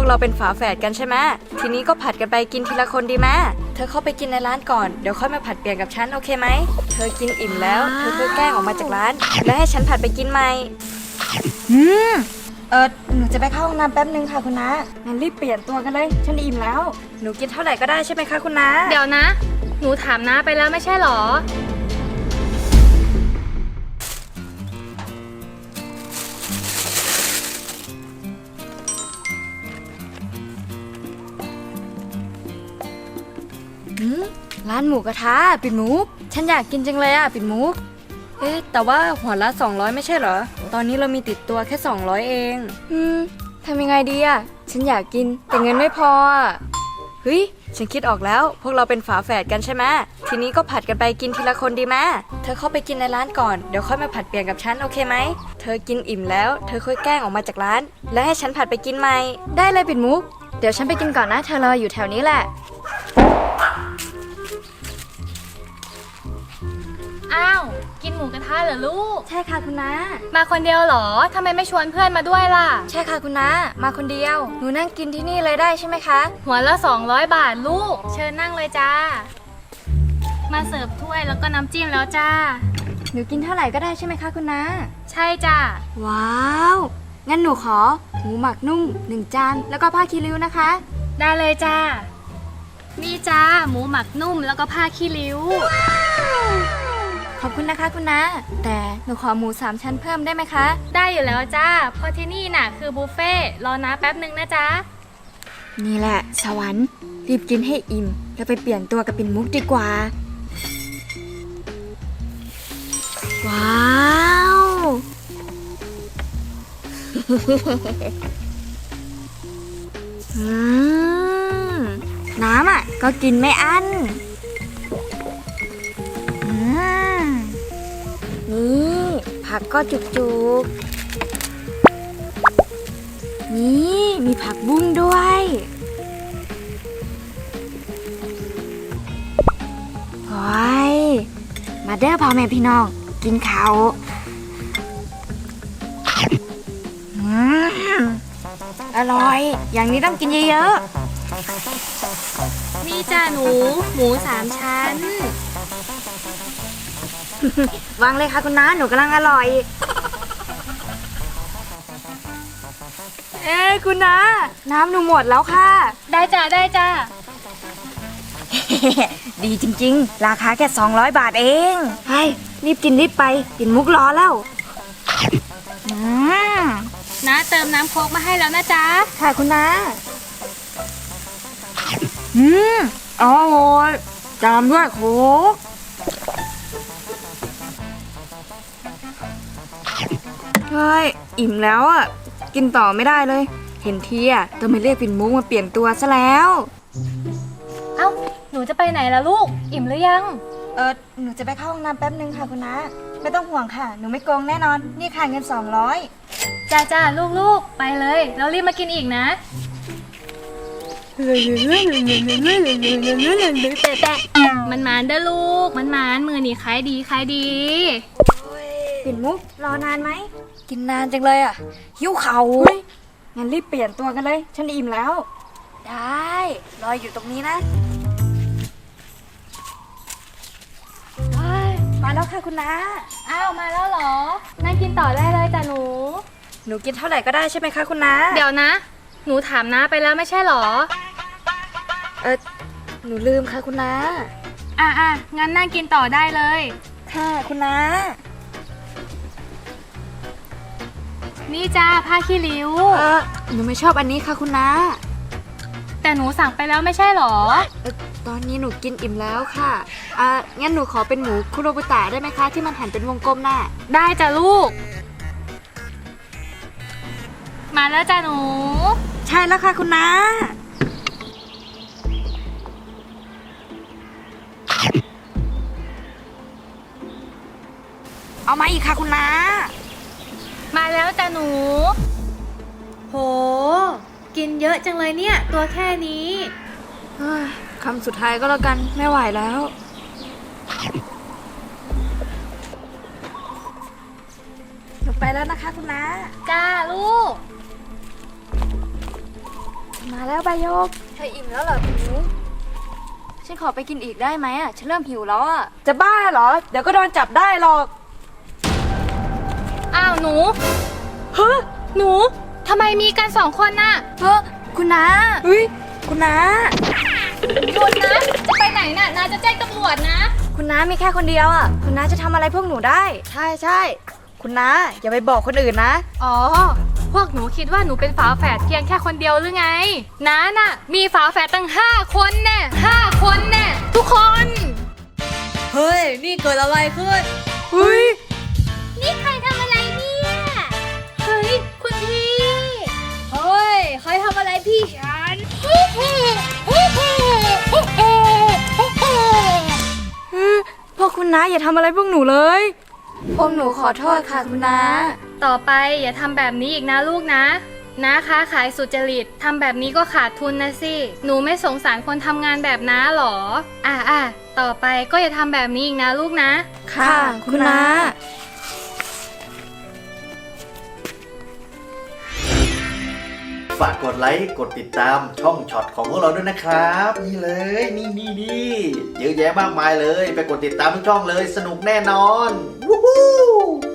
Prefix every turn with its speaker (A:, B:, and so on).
A: วกเราเป็นฝาแฝดกันใช่ไหมทีนี้ก็ผัดกันไปกินทีละคนดีไหมเธอเข้าไปกินในร้านก่อนเดี๋ยวค่อยมาผัดเปลี่ยนกับฉันโอเคไหมเธอกินอิ่มแล้วเธอค่อยแกล้งออกมาจากร้านแล้วให้ฉันผัดไปกินใหม่หนูจะไปเข้าห้องน้ำแป๊บนึงค่ะคุณน้างั้นรีบเปลี่ยนตัวกันเลยฉันอิ่มแล้วหนูกินเท่าไหร่ก็ได้ใช่ไหมคะคุณน้า
B: เดี๋ยวนะ หนูถามน้าไปแล้วไม่ใช่หรอ
A: ร้านหมูกระทะปิ่นมุกฉันอยากกินจังเลยอ่ะปิ่นมุกแต่ว่าหัวละ200ไม่ใช่เหรอตอนนี้เรามีติดตัวแค่200เองทำยังไงดีอ่ะฉันอยากกินแต่เงินไม่พอเฮ้ยฉันคิดออกแล้วพวกเราเป็นฝาแฝดกันใช่ไหมทีนี้ก็ผัดกันไปกินทีละคนดีไหมเธอเข้าไปกินในร้านก่อนเดี๋ยวค่อยมาผัดเปลี่ยนกับฉันโอเคไหมเธอกินอิ่มแล้วเธอค่อยแกล้งออกมาจากร้านแล้วให้ฉันผัดไปกินใหม่ได้เลยปิ่นมุกเดี๋ยวฉันไปกินก่อนนะเธอรออยู่แถวนี้แหละ
B: อ้าวกินหมูกระทะเหรอลูก
A: ใช่ค่ะคุณน้า
B: มาคนเดียวเหรอทำไมไม่ชวนเพื่อนมาด้วยล่ะ
A: ใช่ค่ะคุณน้ามาคนเดียวหนูนั่งกินที่นี่เลยได้ใช่ไหมคะ
B: หัวละ200 บาทลูกเชิญนั่งเลยจ้ามาเสิร์ฟถ้วยแล้วก็น้ำจิ้มแล้วจ้า
A: หนูกินเท่าไหร่ก็ได้ใช่ไหมคะคุณน้า
B: ใช่จ้า
A: ว้าวงั้นหนูขอหมูหมักนุ่ม1 จานแล้วก็ผ้าคีริ้วนะคะ
B: ได้เลยจ้านี่จ้าหมูหมักนุ่มแล้วก็ผ้าขี้ริ้ว
A: ขอบคุณนะคะคุณน้าแต่หนูขอหมู3 ชั้นเพิ่มได้ไหมคะ
B: ได้อยู่แล้วจ้าเพราะที่นี่น่ะคือบุฟเฟ่รอนะแป๊บนึงนะจ๊ะ
A: นี่แหละสวรรค์รีบกินให้อิ่มแล้วไปเปลี่ยนตัวกับปิ่นมุกดีกว่าว้าวน้ำอ่ะก็กินไม่อั้นนี่ผักก็จุกๆนี่มีผักบุ้งด้วยโอ้ยมาเด้อพ่อแม่พี่น้องกินข้าวอร่อยอย่างนี้ต้องกินเยอะ
B: ๆนี่จ้าหมู3 ชั้น
A: วางเลยค่ะคุณน้าหนูกำลังอร่อยคุณน้าน้ำหนูหมดแล้วค่ะ
B: ได้จ้าได้จ้า
A: ดีจริงๆราคาแค่200 บาทเองให้รีบกินรีบไปปิ่นมุกรอแล้ว
B: น้าเติมน้ำโค้กมาให้แล้วนะจ๊ะ
A: ค่ะคุณน้าอร่อยตามด้วยโค้กเฮ้ยอิ่มแล้วอ่ะกินต่อไม่ได้เลยเห็นทีอ่ะต้องไปเรียกปิ่นมุกมาเปลี่ยนตัวซะแล้ว
B: เอ้าหนูจะไปไหนล่ะลูกอิ่มหรือยัง
A: หนูจะไปเข้าห้องน้ำแป๊บนึงค่ะคุณน้าไม่ต้องห่วงค่ะหนูไม่โกงแน่นอนนี่ค่ะเงิน200
B: จ้าลูกไปเลยเรารีบมากินอีกนะมันหมานเด้อลูกมันหมานมือนี่ขายดี
A: ปิ่นมุกรอนานไหมกินนานจังเลยอ่ะหิวเข่างั้นรีบเปลี่ยนตัวกันเลยฉันอิ่มแล้วได้รออยู่ตรงนี้นะมาแล้วค่ะคุณน้า
B: อ้าวมาแล้วเหรอนั่งกินต่อได้เลยจ้ะห
A: นูกินเท่าไหร่ก็ได้ใช่ไหมคะคุณน้า
B: เดี๋ยวนะหนูถามน้าไปแล้วไม่ใช่หรอ
A: หนูลืมค่ะคุณน้า
B: งั้นนั่งกินต่อได้เลย
A: ค่ะคุณน้า
B: นี่จ้าผ้าขี้ริ้ว
A: หนูไม่ชอบอันนี้ค่ะคุณน้า
B: แต่หนูสั่งไปแล้วไม่ใช่หรอ
A: ตอนนี้หนูกินอิ่มแล้วค่ะงั้นหนูขอเป็นหมูคุโรบุตะได้ไหมคะที่มันหั่นเป็นวงกลมน่ะ
B: ได้จ้ะลูกมาแล้วจ้ะหนู
A: ใช่แล้วค่ะคุณน้าเอามาอีกค่ะคุณน้า
B: มาแล้วจ้ะหนูโหกินเยอะจังเลยเนี่ยตัวแค่นี้
A: คำสุดท้ายก็แล้วกันไม่ไหวแล้วหนูไปแล้วนะคะคุณน้า
B: จ้าลูก
A: มาแล้วใบโยกเธออิ่มแล้วเหรอปิ่นมุกฉันขอไปกินอีกได้ไหมอ่ะฉันเริ่มหิวแล้วอ่ะจะบ้าเหรอเดี๋ยวก็โดนจับได้หรอก
B: อ้าวหนู
A: เฮ้ย
B: หนูทำไมมีกันสองคนน่ะ
A: เฮ้ยคุณน้าเฮ้ยคุณน้า
B: หยุดนะ จะไปไหนน่ะนาจะแจ้งตำรวจนะ
A: คุณน้ามีแค่คนเดียวอ่ะคุณน้าจะทำอะไรพวกหนูได้ใช่ใช่คุณน้าอย่าไปบอกคนอื่นนะ
B: อ๋อ พวกหนูคิดว่าหนูเป็นฝาแฝดเพียงแค่คนเดียวหรือไงน้าน่ะ มีฝาแฝดตั้ง5 คนแน่5 คนแน่ทุกคน
C: เฮ้ย นี่เกิดอะไรขึ้น
A: เฮ้ย
B: นี่ใครทำอะไรเนี่ย เฮ้ย คุณพี่
C: เฮ้ย ใครทำอะไรพี่ฉัน
A: พวกคุณน้าอย่าทำอะไรพวกหนูเลยพวกหนูขอโทษค่ะคุณน้า
B: ต่อไปอย่าทำแบบนี้อีกนะลูกนะน้าค้าขายสุจริตทำแบบนี้ก็ขาดทุนนะสิ หนูไม่สงสารคนทำงานแบบน้าหรอ ต่อไปก็อย่าทำแบบนี้อีกนะลูกนะ
A: ค่ะคุณน้า
D: ฝากกดไลค์กดติดตามช่องช็อตของพวกเราด้วยนะครับ นี่เลยนี่เยอะแยะมากมายเลย ไปกดติดตามทุกช่องเลยสนุกแน่นอนวู้ฮู้